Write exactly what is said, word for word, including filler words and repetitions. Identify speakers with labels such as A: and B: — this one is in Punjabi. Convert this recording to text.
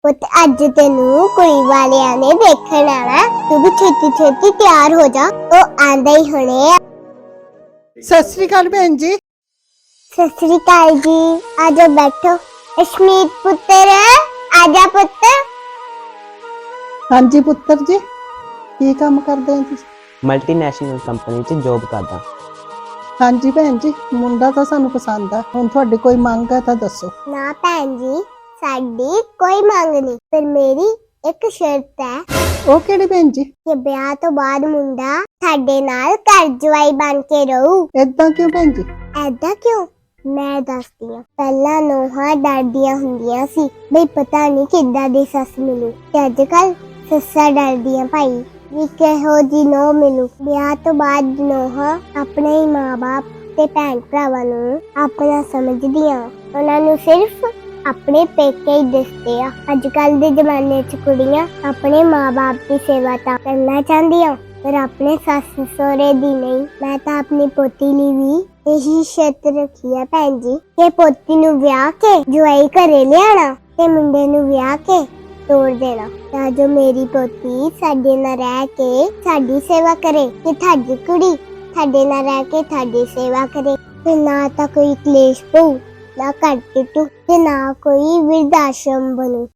A: ਪੁੱਤ ਅੱਜ ਤੈਨੂੰ ਕੁੜੀ ਵਾਲਿਆਂ ਨੇ ਦੇਖਣ ਆਣਾ, ਤੂੰ ਵੀ ਛੇਤੀ ਛੇਤੀ ਤਿਆਰ ਹੋ ਜਾ, ਉਹ ਆਂਦੇ ਹੀ ਹੋਣੇ ਆ।
B: ਸਤਿ ਸ੍ਰੀ ਅਕਾਲ ਭੈਣ ਜੀ।
A: ਸਤਿ ਸ੍ਰੀ ਅਕਾਲ ਜੀ, ਆਜੋ ਬੈਠੋ। ਅਸ਼ਮੀਤ ਪੁੱਤਰ ਆਜਾ ਪੁੱਤ।
B: ਹਾਂਜੀ ਪੁੱਤਰ ਜੀ, ਕੀ ਕੰਮ ਕਰਦੇ ਹੋ ਤੁਸੀਂ?
C: ਮਲਟੀਨੈਸ਼ਨਲ ਕੰਪਨੀ 'ਚ ਜੌਬ ਕਰਦਾ।
B: ਹਾਂਜੀ ਭੈਣ ਜੀ, ਮੁੰਡਾ ਤਾਂ ਸਾਨੂੰ ਪਸੰਦ ਆ, ਹੁਣ ਤੁਹਾਡੀ ਕੋਈ ਮੰਗ ਹੈ ਤਾਂ ਦੱਸੋ।
A: ਨਾ ਭੈਣ ਜੀ, ਸਾਡੀ ਕੋਈ ਮੰਗ ਨਹੀਂ, ਪਰ ਮੇਰੀ ਇੱਕ ਸ਼ਰਤ ਹੈ।
B: ਉਹ ਕਿਹੜੀ ਭੈਣ ਜੀ?
A: ਕਿ ਵਿਆਹ ਤੋਂ ਬਾਅਦ ਮੁੰਡਾ ਸਾਡੇ ਨਾਲ ਘਰ ਜਵਾਈ ਬਣ ਕੇ ਰਹੂ।
B: ਏਦਾਂ ਕਿਉਂ ਭੈਣ ਜੀ?
A: ਐਦਾਂ ਕਿਉਂ? ਮੈਂ ਦੱਸਦੀ ਹਾਂ। ਪਹਿਲਾਂ ਨੋਹਾਂ ਡਰਦੀਆਂ ਹੁੰਦੀਆਂ ਸੀ ਬਈ ਪਤਾ ਨਹੀਂ ਕਿੱਦਾਂ ਦੀ ਸੱਸ ਮਿਲੂ, ਤੇ ਅੱਜ ਕੱਲ ਸੱਸਾਂ ਡਰਦੀਆਂ ਭਾਈ ਵੀ ਕਿਹੋ ਜੀ ਨੋਹ ਮਿਲੂ। ਵਿਆਹ ਤੋਂ ਬਾਅਦ ਨੋਹਾਂ ਆਪਣੇ ਹੀ ਮਾਂ-ਬਾਪ ਤੇ ਭੈਣ ਭਰਾਵਾਂ ਨੂੰ ਆਪਣਾ ਸਮਝਦੀਆਂ, ਉਹਨਾਂ ਨੂੰ ਸਿਰਫ ਆਪਣੇ ਪੇਕੇ ਹੀ ਦਿਸਦੇ ਆ। ਅੱਜ ਕੱਲ ਦੇ ਜ਼ਮਾਨੇ 'ਚ ਕੁੜੀਆਂ ਆਪਣੇ ਮਾਂ-ਬਾਪ ਦੀ ਸੇਵਾ ਤਾਂ ਕਰਨਾ ਚਾਹੁੰਦੀਆਂ, ਪਰ ਆਪਣੇ ਸੱਸ ਸਹੁਰੇ ਦੀ ਨਹੀਂ। ਮੈਂ ਤਾਂ ਆਪਣੀ ਪੋਤੀ ਲਈ ਵੀ ਇਹੀ ਸ਼ਰਤ ਰੱਖੀ ਆ ਭੈਣ ਜੀ ਕਿ ਪੋਤੀ ਨੂੰ ਵਿਆਹ ਕੇ ਜਵਾਈ ਘਰੇ ਲਿਆਣਾ ਤੇ ਮੁੰਡੇ ਨੂੰ ਵਿਆਹ ਕੇ ਤੋੜ ਦੇਣਾ, ਤਾਂ ਜੋ ਮੇਰੀ ਪੋਤੀ ਸਾਡੇ ਨਾਲ ਰਹਿ ਕੇ ਸਾਡੀ ਸੇਵਾ ਕਰੇ ਤੇ ਤੁਹਾਡੀ ਕੁੜੀ ਸਾਡੇ ਨਾਲ ਰਹਿ ਕੇ ਤੁਹਾਡੀ ਸੇਵਾ ਕਰੇ। ਤੇ ਨਾ ਤਾਂ ਕੋਈ ਕਲੇਸ਼ ਪਊ, ਨਾ ਘਰ ਟੁੱਟੂ, ਤੇ ਨਾ ਕੋਈ ਵਿਰਧ ਆਸ਼ਰਮ ਬਣੂ।